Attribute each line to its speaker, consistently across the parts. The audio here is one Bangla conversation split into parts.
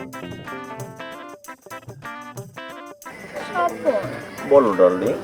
Speaker 1: স্বপন,
Speaker 2: বলো ডার্লিং।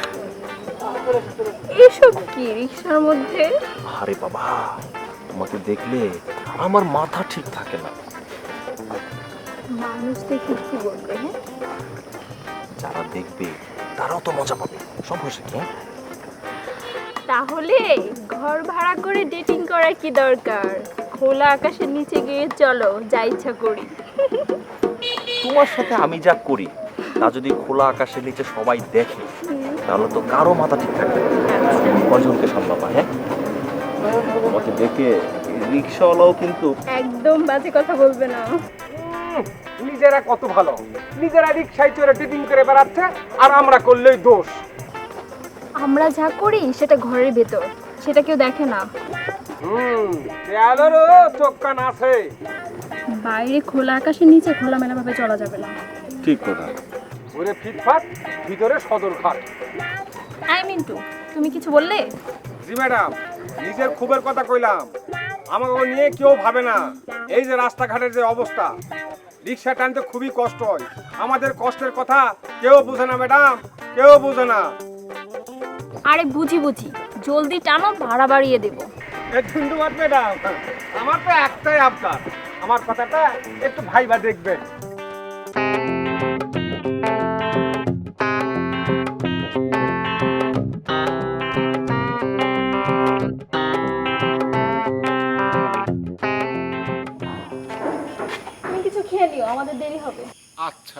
Speaker 1: এসব কি রিক্সার মধ্যে?
Speaker 2: আরে বাবা, তোমাকে দেখলে আমার মাথা ঠিক থাকে না।
Speaker 1: মানুষ দেখে কি বলবে? হ্যাঁ,
Speaker 2: যারা দেখবে তারাও তো মজা পাবে, সমস্যা কি?
Speaker 1: তাহলে ঘর ভাড়া করে ডেটিং করার কি দরকার? খোলা আকাশের নিচে গিয়ে চলো, যা ইচ্ছা করি।
Speaker 2: তোমার সাথে আমি যা করি তা যদি খোলা আকাশের নিচে সবাই দেখে তাহলে তো কারো মাথা ঠিক থাকবে না। কজনকে সামলাবা? হ্যাঁ, তোমাকে দেখে রিক্সাওয়ালাও কিন্তু
Speaker 1: একদম বাজে কথা বলবে না।
Speaker 3: নিজেরা কত ভালো, নিজেরা রিক্সায় চড়ে টিটিং করে বেড়াচ্ছে, আর আমরা করলেই দোষ।
Speaker 1: আমরা যা করি সেটা ঘরের ভেতর, সেটা কেউ দেখে না।
Speaker 3: দেয়ালেরও চোখ কান আছে।
Speaker 1: বাইরে খোলা আকাশের নিচে খোলামেলা ভাবে চলা যাবে না।
Speaker 2: ঠিক কথা।
Speaker 3: ওরে ফিটফাট, ভিতরে সদরঘাট।
Speaker 1: আই মিন টু, তুমি কিছু বললে?
Speaker 3: জি ম্যাডাম, নিজের ক্ষোভের কথা কইলাম, আমাকে নিয়ে কেউ ভাবে না। এই যে রাস্তাঘাটের যে অবস্থা, রিক্সা টানতে খুবই কষ্ট হয়। আমাদের কষ্টের কথা কেউ বোঝে না ম্যাডাম, কেউ বোঝে না।
Speaker 1: আরে বুঝি বুঝি, জলদি টানো, ভাড়া বাড়িয়ে দেবো।
Speaker 3: ধন্যবাদ ম্যাডাম, আমার তো একটাই আবদার, আমার কথাটা একটু ভাইবা দেখবেন।
Speaker 1: তুমি কিছু খেয়ে নিও, আমাদের দেরি হবে।
Speaker 3: আচ্ছা।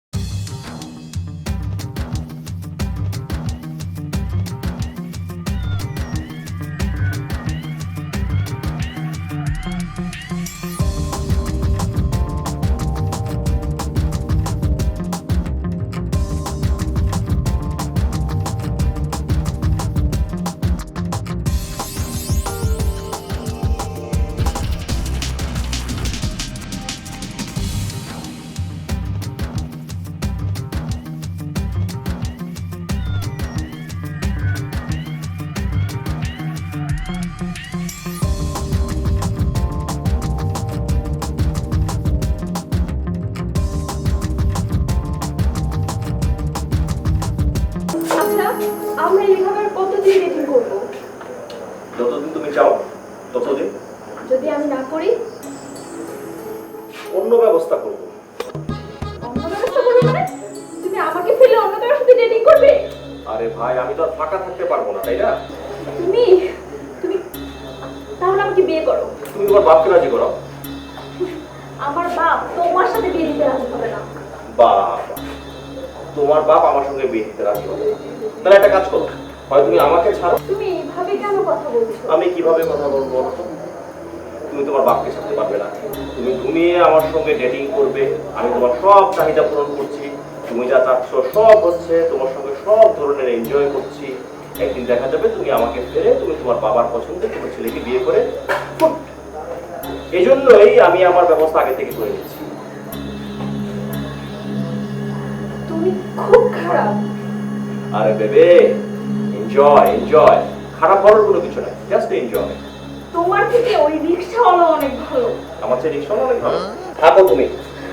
Speaker 1: আচ্ছা, আমরা এইভাবে কতদিন ডেটিং করবো?
Speaker 2: যতদিন তুমি চাও ততদিন।
Speaker 1: যদি আমি না করি?
Speaker 2: অন্য ব্যবস্থা করবো।
Speaker 1: অন্য ব্যবস্থা করবে মানে? তুমি আমাকে ফেলে অন্য কারোর সাথে ডেটিং করবে?
Speaker 2: আরে ভাই, আমি তো আর ফাঁকা থাকতে পারবো না, তাই না?
Speaker 1: তুমি তুমি তাহলে আমাকে বিয়ে করো।
Speaker 2: তুমি তোমার বাপকে রাজি করো।
Speaker 1: আমার বাপ তোমার সাথে বিয়ে দিতে রাজি হবে না।
Speaker 2: বাবা, তোমার বাপ আমার সঙ্গে বিয়ে দিতে রাজি হবে না। তাহলে একটা কাজ করো, হয় তুমি আমাকে ছাড়ো।
Speaker 1: তুমি এইভাবে কেন কথা বলছো?
Speaker 2: আমি কিভাবে কথা বলবো? তুমি তোমার বাপকে ছাড়তে পারবে না। তুমি ঘুমিয়ে আমার সঙ্গে ডেটিং করবে, আমি তোমার সব চাহিদা পূরণ করছি, তুমি যা চাচ্ছ সব হচ্ছে, তোমার সঙ্গে সব ধরনের এনজয় করছি। একদিন দেখা যাবে তুমি আমাকে ফেলে তুমি তোমার বাবার পছন্দে তোমার ছেলেকে বিয়ে করে ফুট। এই জন্যই আমি আমার ব্যবস্থা আগে থেকে করে নিচ্ছি।
Speaker 1: তুমি খুব খারাপ।
Speaker 2: আরে বেবে, এনজয় এনজয়, খারাপ হওয়ার কোনো কিছু নাই, জাস্ট এনজয়।
Speaker 1: তোমার থেকে ওই রিকশাওয়ালা অনেক ভালো।
Speaker 2: আমার চেয়ে রিক্সা অনেক ভালো। থাকো তুমি।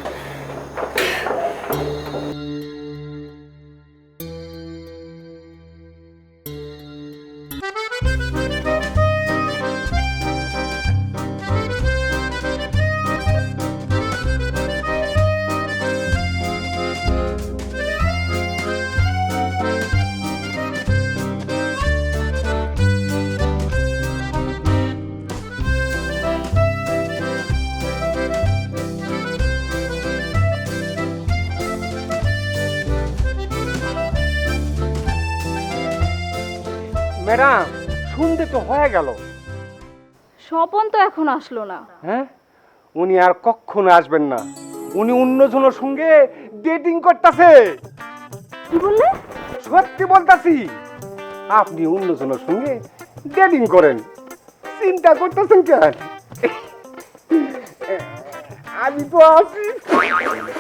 Speaker 3: ম্যাডাম, শুনতে তো হয়ে গেল।
Speaker 1: স্বপন তো এখন আসলো না।
Speaker 3: হ্যাঁ, উনি আর কখনো আসবেন না। উনি অন্যজনের সঙ্গে ডেটিং করতেছে।
Speaker 1: কি বললে?
Speaker 3: সত্যি বলতাছি, আপনি অন্যজনের সঙ্গে ডেটিং করেন, চিন্তা করতেছেন কেন? আমি তো আছি।